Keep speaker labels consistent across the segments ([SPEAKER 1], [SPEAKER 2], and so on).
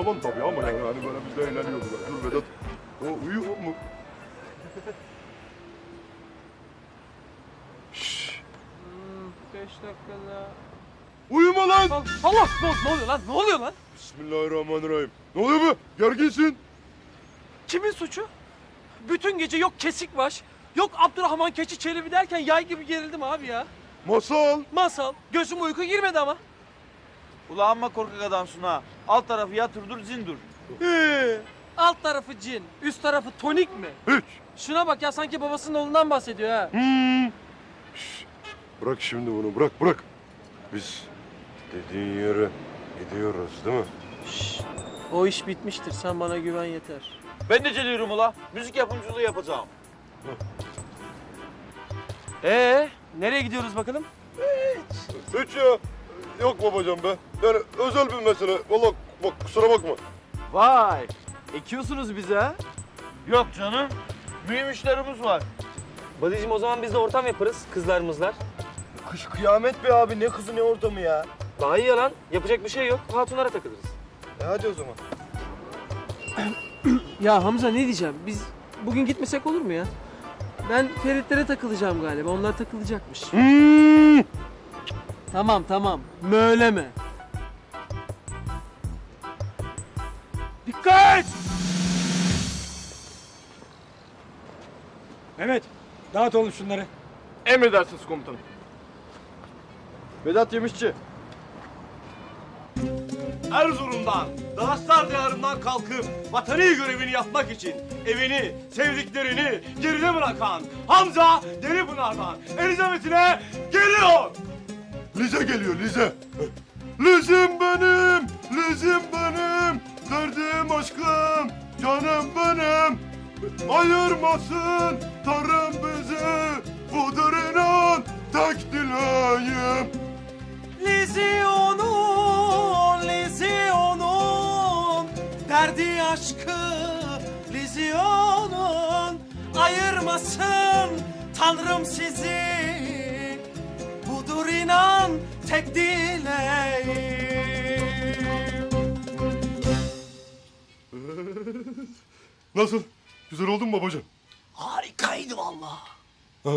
[SPEAKER 1] yalan tabii ama yani hani böyle biz de eğleniyorduk. Dur Vedat. O uyuyor mu? Şşş.
[SPEAKER 2] 5 dakikada.
[SPEAKER 1] Uyuma lan!
[SPEAKER 2] Allah! Ne oluyor lan? Ne oluyor lan?
[SPEAKER 1] Bismillahirrahmanirrahim. Ne oluyor be? Gerginsin.
[SPEAKER 2] Kimin suçu? Bütün gece yok kesik baş, yok Abdurrahman Keçi Çelebi derken yay gibi gerildim abi ya.
[SPEAKER 1] Masal.
[SPEAKER 2] Masal, gözüm uyku girmedi ama.
[SPEAKER 3] Ulan amma korkak adamsın ha. Alt tarafı yatırdır zindur.
[SPEAKER 2] Alt tarafı cin, üst tarafı tonik mi?
[SPEAKER 1] Hiç.
[SPEAKER 2] Şuna bak ya sanki babasının oğlundan bahsediyor ha.
[SPEAKER 1] Şşş. Bırak şimdi bunu bırak. Biz dediğin yere gidiyoruz değil mi?
[SPEAKER 2] Şşş, o iş bitmiştir. Sen bana güven yeter.
[SPEAKER 3] Ben de geliyorum ula. Müzik yapımcılığı yapacağım.
[SPEAKER 2] Nereye gidiyoruz bakalım?
[SPEAKER 1] Hiç ya. Yok babacığım be. Yani özel bir mesele. Vallahi bak kusura bakma.
[SPEAKER 3] Vay. Ekiyorsunuz bize. Yok canım. Mühim işlerimiz var.
[SPEAKER 2] Badicim o zaman biz de ortam yaparız kızlarımızlar.
[SPEAKER 3] Kış kıyamet be abi. Ne kızı ne ortamı ya.
[SPEAKER 2] Daha iyi ya lan. Yapacak bir şey yok. Hatunlara takılırız.
[SPEAKER 3] Hadi o zaman.
[SPEAKER 2] Ya Hamza ne diyeceğim? Biz bugün gitmesek olur mu ya? Ben Feritlere takılacağım galiba. Onlar takılacakmış. Tamam. Möyleme. Dikkat!
[SPEAKER 4] Mehmet, dağıt oğlum şunları.
[SPEAKER 1] Emredersiniz komutanım.
[SPEAKER 3] Vedat Yemişçi.
[SPEAKER 5] Erzurum'dan, Dağıstar diyarından kalkıp vatani görevini yapmak için evini, sevdiklerini geride bırakan Hamza Deripınar'dan Elizabeth'ine geliyor.
[SPEAKER 1] Lize geliyor Lize. Lizim benim, Lizim benim. Derdim aşkım, canım benim. Ayırmasın Tanrım bizi. Budur inan tek dileğim.
[SPEAKER 2] Lizyonun derdi aşkı Lizyonun ayırmasın Tanrım sizi budur inan tek dileğim.
[SPEAKER 1] Nasıl? Güzel oldu mu babacığım?
[SPEAKER 5] Harikaydı vallahi.
[SPEAKER 1] Ha,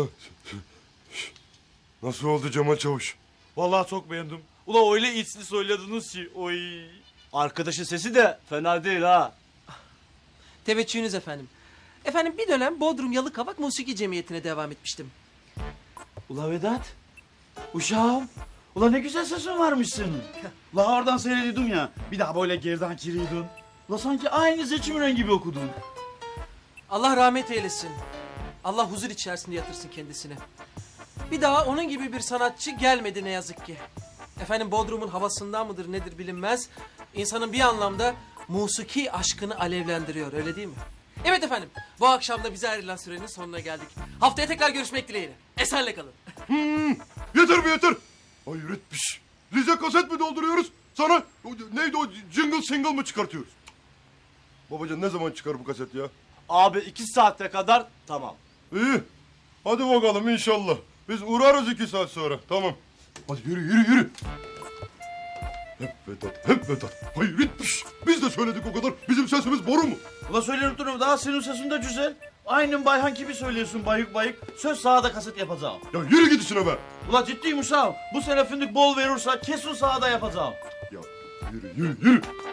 [SPEAKER 1] nasıl oldu Cemal Çavuş?
[SPEAKER 5] Vallahi çok beğendim. Ula öyle içli söylediniz ki oy. Arkadaşın sesi de fena değil ha.
[SPEAKER 2] Teveccühünüz efendim. Efendim bir dönem Bodrum Yalıkavak Musiki Cemiyeti'ne devam etmiştim.
[SPEAKER 3] Ula Vedat. Uşağım. Ula ne güzel sesin varmışsın. Ula oradan seyrediyordum ya. Bir daha böyle geriden kiriyordun. Ula sanki aynı seçim gibi okudun.
[SPEAKER 2] Allah rahmet eylesin. Allah huzur içerisinde yatırsın kendisini. Bir daha onun gibi bir sanatçı gelmedi ne yazık ki. Efendim Bodrum'un havasından mıdır nedir bilinmez. İnsanın bir anlamda musiki aşkını alevlendiriyor öyle değil mi? Evet efendim bu akşam da bize ayrılan sürenin sonuna geldik. Haftaya tekrar görüşmek dileğiyle. Esenle kalın.
[SPEAKER 1] Yeter be yeter. Hayret bir şey. Lize kaset mi dolduruyoruz? Sana neydi o jingle single mı çıkartıyoruz? Babacan ne zaman çıkar bu kaset ya?
[SPEAKER 5] Abi 2 saate kadar tamam.
[SPEAKER 1] İyi. Hadi bakalım inşallah. Biz uğrarız 2 saat sonra. Tamam. Hadi yürü. Hep Vedat. Hayret bir şey. Biz de söyledik o kadar. Bizim sesimiz boru mu?
[SPEAKER 3] Ula söyleyip durum daha senin sesin de güzel. Aynen Bayhan gibi söylüyorsun bayık. Söz sahada kaset yapacağım.
[SPEAKER 1] Ya yürü git işine be.
[SPEAKER 3] Ula ciddiyim uşağım. Bu sene fındık bol verirse kesin sahada yapacağım.
[SPEAKER 1] Ya yürü.